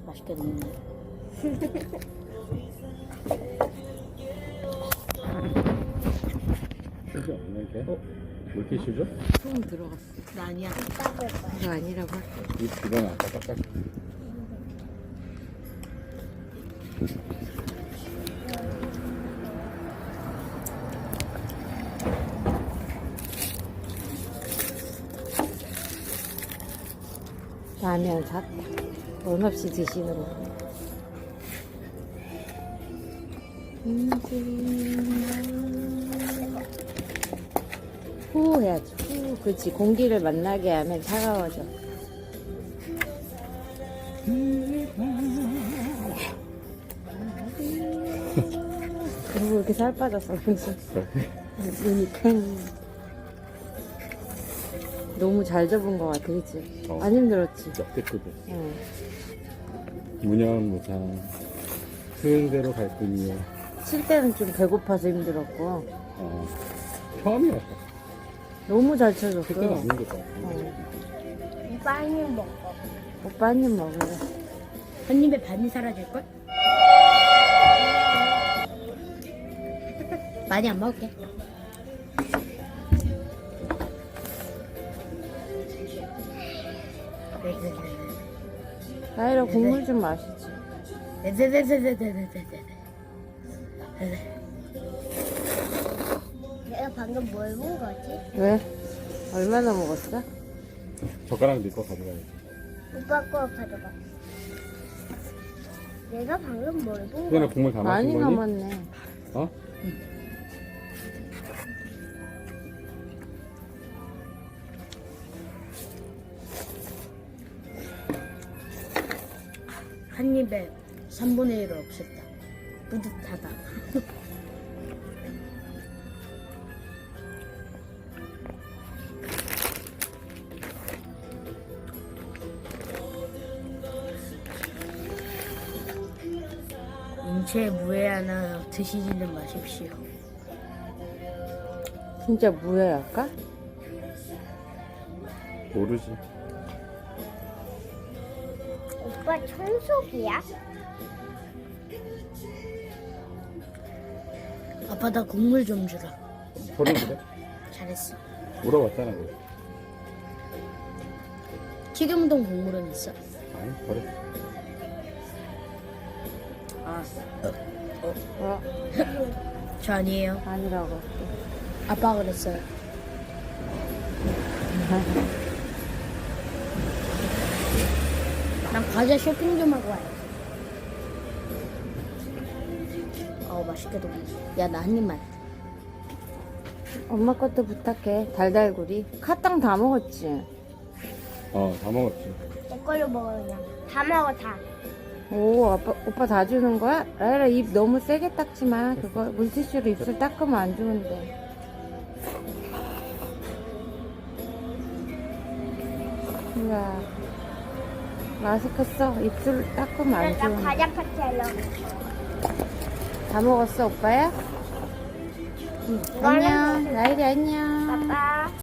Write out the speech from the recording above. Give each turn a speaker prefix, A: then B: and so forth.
A: 맛있게 먹네.
B: 실죠? 이렇게? 왜 이렇게 실죠?
A: 소금 들어갔어. 나 아니야. 이거 아니라고 할게.
B: 이건 아까 깎았어.
A: 라면 샀다. 원 없이 드시는 거. 후 해야지. 후. 그렇지. 공기를 만나게 하면 차가워져. 그리고 이렇게 살 빠졌어. 그치? 눈이 팽. 너무 잘 접은 것 같아, 그치?
B: 어.
A: 안 힘들었지?
B: 역대급이야.
A: 응.
B: 무념무상 흐른대로 갈 뿐이야.
A: 칠 때는 좀 배고파서 힘들었고.
B: 처음이었어.
A: 너무 잘 쳐줬어.
B: 그때는 안 힘들었어.
C: 오빠 한입 먹어.
A: 오빠 한 입 먹으래.
C: 한 입에 반이 사라질걸? 많이 안 먹을게.
A: 나이라 국물 좀 마시지.
C: 내가 방금 뭘 본 거지?
A: 왜? 얼마나 먹었어?
B: 젓가락 넣고 가져가야지.
C: 오빠 거 가져가. 내가 방금 뭘 본
B: 그거는
C: 거지?
B: 국물 다
A: 많이
B: 마신 거니?
A: 남았네.
B: 어?
C: 한 입에 3분의 1을 없앴다. 뿌듯하다. 인체에 무해 하나 드시지는 마십시오.
A: 진짜 무해할까?
B: 모르지.
C: 오빠 청소기야? 아빠 나 국물 좀 주라.
B: 버리는데?
C: 잘했어.
B: 물어봤잖아. 그거.
C: 튀김동 국물은 있어?
B: 아니, 버려.
A: 어,
C: 저 아니에요.
A: 아니라고.
C: 아빠가 그랬어요. 난 과자 쇼핑 좀 하고 와야지. 맛있게도 먹네. 야, 나 한 입만.
A: 엄마 것도 부탁해. 달달구리. 카땅 다 먹었지?
B: 다 먹었지.
C: 내 걸로 먹어 그냥. 다 먹어 다.
A: 오, 오빠 다 주는 거야? 라이라 입 너무 세게 닦지 마. 그거 물티슈로 입술 닦으면 안 좋은데. 이야. 마스크 써. 입술 닦으면 안
C: 나
A: 좋은데.
C: 과자 파티 하려고.
A: 다 먹었어, 오빠야? 응. 안녕. 라이리 안녕.
C: 아빠.